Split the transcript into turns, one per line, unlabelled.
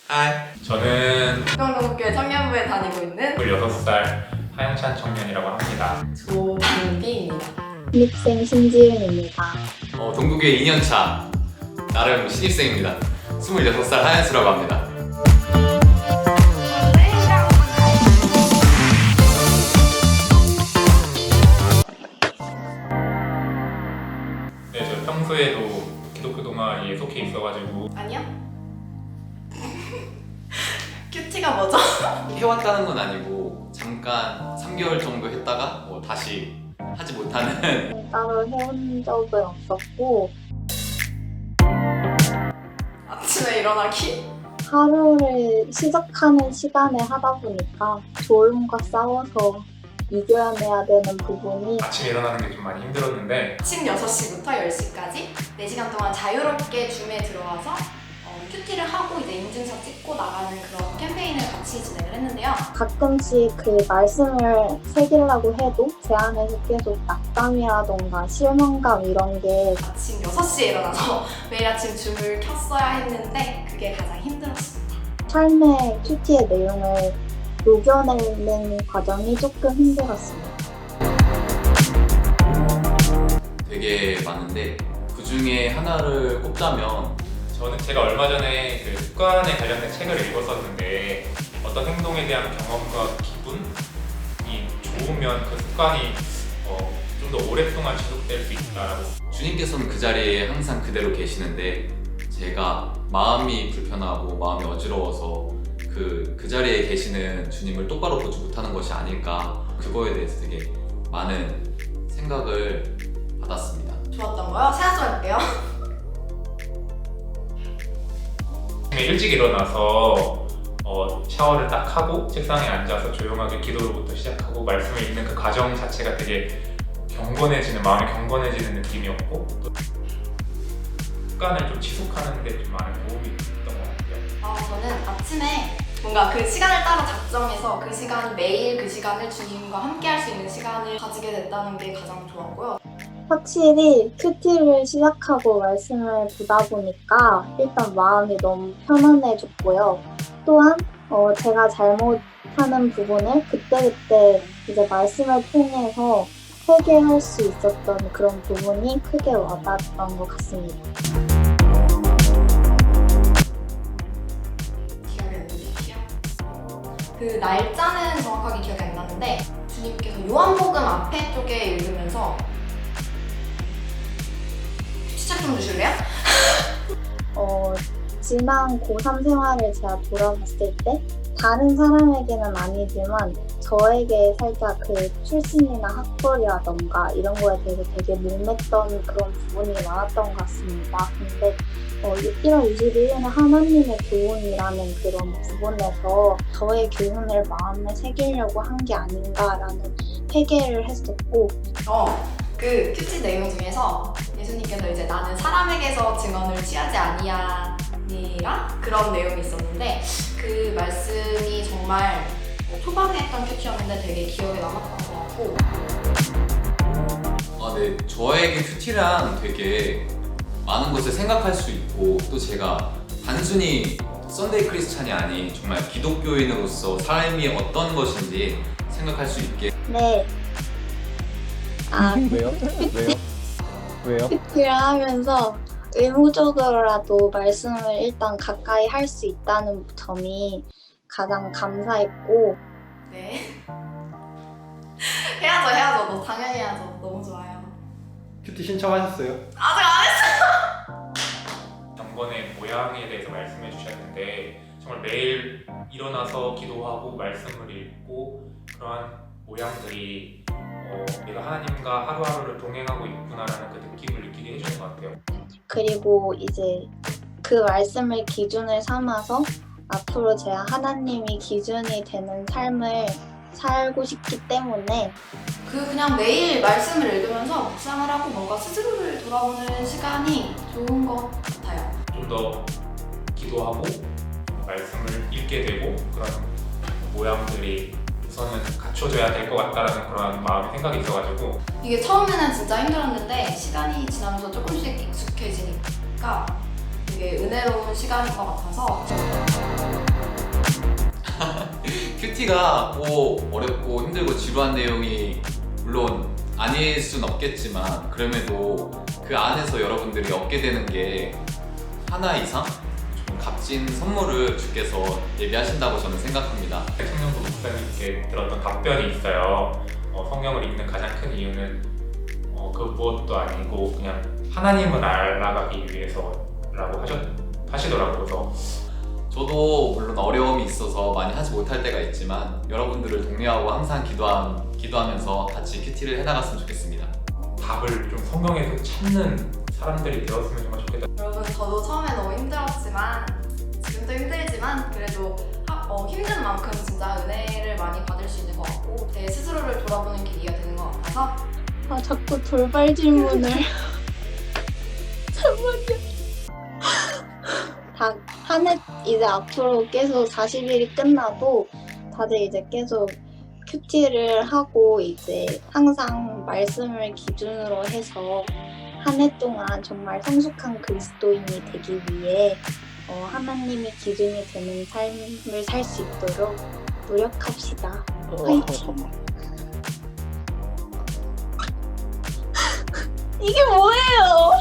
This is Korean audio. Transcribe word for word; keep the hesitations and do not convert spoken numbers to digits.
하이, 저는
평동국교회 청년부에 다니고 있는
스물여섯 살 하영찬 청년이라고 합니다.
조민비입니다.
신입생 신지은입니다.
어, 동국교회 이 년차 나름 신입생입니다. 스물여섯 살 하연수라고 합니다.
네, 저 평소에도 기독교 동아리에 속해 있어가지고
아니요? 큐티가 뭐죠?
해왔다는 건 아니고 잠깐 삼 개월 정도 했다가 뭐 다시 하지 못하는
따로 해온 적은 없었고
아침에 일어나기?
하루를 시작하는 시간에 하다 보니까 졸음과 싸워서 이겨내야 되는 부분이
아침에 일어나는 게 좀 많이 힘들었는데
아침 여섯 시부터 열 시까지 네 시간 동안 자유롭게 줌에 들어와서 어, 큐티를 하고 이제 인증샷 찍고 나가는 그런 캠페인을 같이 진행을 했는데요.
가끔씩 그 말씀을 새기려고 해도 제 안에서 계속 낙담이라던가 실망감 이런 게
아침 여섯 시에 일어나서 매일 아침 줌을 켰어야 했는데 그게 가장 힘들었습니다.
삶의 큐티의 내용을 녹여내는 과정이 조금 힘들었습니다.
되게 많은데 그 중에 하나를 꼽자면
저는 제가 얼마 전에 그 습관에 관련된 책을 읽었었는데 어떤 행동에 대한 경험과 기분이 좋으면 그 습관이 어, 좀 더 오랫동안 지속될 수 있다라고.
주님께서는 그 자리에 항상 그대로 계시는데 제가 마음이 불편하고 마음이 어지러워서 그, 그 자리에 계시는 주님을 똑바로 보지 못하는 것이 아닐까, 그거에 대해서 되게 많은 생각을 받았습니다.
좋았던 거요? 세아서 할게요.
아침에 일찍 일어나서 어, 샤워를 딱 하고 책상에 앉아서 조용하게 기도로부터 시작하고 말씀을 읽는 그 과정 자체가 되게 경건해지는, 마음이 경건해지는 느낌이었고 또 습관을 좀 지속하는 데 좀 많은 도움이 됐던 것 같아요.
어, 저는 아침에 뭔가 그 시간을 따로 작정해서 그 시간이 매일 그 시간을 주님과 함께 할 수 있는 시간을 가지게 됐다는 게 가장 좋았고요.
확실히 큐티를 시작하고 말씀을 보다 보니까 일단 마음이 너무 편안해졌고요. 또한 어, 제가 잘못하는 부분을 그때그때 이제 말씀을 통해서 회개할 수 있었던 그런 부분이 크게 와닿았던 것 같습니다.
기억이 안 나요. 그 날짜는 정확하게 기억이 안 나는데 주님께서 요한복음 앞에 쪽에 읽으면서 시작 좀 주실래요?
어, 지난 고삼 생활을 제가 돌아봤을 때 다른 사람에게는 아니지만 저에게 살짝 그 출신이나 학벌이라던가 이런 거에 대해서 되게 목맸던 그런 부분이 많았던 것 같습니다. 근데 어, 일월 이십일일에 하나님의 교훈이라는 그런 부분에서 저의 교훈을 마음에 새기려고 한 게 아닌가라는 회개를 했었고
어, 그 큐티 내용 중에서 예수님께서 이제 나는 사람에게서 증언을 취하지 아니하니라 그런 내용이 있었는데 그 말씀이 정말 초반에 했던 큐티였는데 되게 기억에 남았던 것 같고
아, 네, 저에게 큐티란 되게 많은 것을 생각할 수 있고 또 제가 단순히 썬데이 크리스찬이 아닌 정말 기독교인으로서 삶이 어떤 것인지 생각할 수 있게.
네. 아,
왜요? 왜요? 왜요?
큐티를 하면서 의무적으로라도 말씀을 일단 가까이 할 수 있다는 점이 가장 감사했고
네 해야죠 해야죠 너 당연히 해야죠. 너무 좋아요.
큐티 신청하셨어요?
아직 안 했어요.
경건의 모양에 대해서 말씀해 주셨는데 정말 매일 일어나서 기도하고 말씀을 읽고 그러한 모양들이 어, 내가 하나님과 하루하루를 동행하고 있구나라는 그 느낌을 느끼게 해주는 것 같아요.
그리고 이제 그 말씀을 기준을 삼아서 앞으로 제가 하나님이 기준이 되는 삶을 살고 싶기 때문에
그 그냥 매일 말씀을 읽으면서 묵상을 하고 뭔가 스스로를 돌아보는 시간이 좋은 것 같아요.
좀 더 기도하고 말씀을 읽게 되고 그런 모양들이 우선은 갖춰져야 될 것 같다라는 그런 마음 생각이 있어가지고
이게 처음에는 진짜 힘들었는데 시간이 지나면서 조금씩 익숙해지니까 되게 은혜로운 시간인 것 같아서
큐티가 꼭 어렵고 힘들고 지루한 내용이 물론 아닐 순 없겠지만 그럼에도 그 안에서 여러분들이 얻게 되는 게 하나 이상 좀 값진 선물을 주께서 예비하신다고 저는 생각합니다.
청년부 목사님께 들었던 답변이 있어요. 어, 성경을 읽는 가장 큰 이유는 어, 그 무엇도 아니고 그냥 하나님을 알아가기 위해서라고 하셨, 하시더라고요. 그래서
저도 물론 어려움이 있어서 많이 하지 못할 때가 있지만 여러분들을 독려하고 항상 기도함, 기도하면서 같이 큐티를 해나갔으면 좋겠습니다.
답을 좀 성경에서 찾는 사람들이 되었으면 정말 좋겠다.
여러분 저도 처음에 너무 힘들었지만 지금도 힘들지만 그래도 하, 어, 힘든 만큼 진짜 은혜를 많이 받을 수 있는 것 같고 제 스스로를 돌아보는 계기가 되는 것 같아서
아 자꾸 돌발 질문을. 잠깐만요. 다 한 해 이제 앞으로 계속 사십 일이 끝나도 다들 이제 계속 큐티를 하고 이제 항상 말씀을 기준으로 해서 한 해 동안 정말 성숙한 그리스도인이 되기 위해 어, 하나님이 기준이 되는 삶을 살 수 있도록 노력합시다. 화이팅! 이게 뭐예요?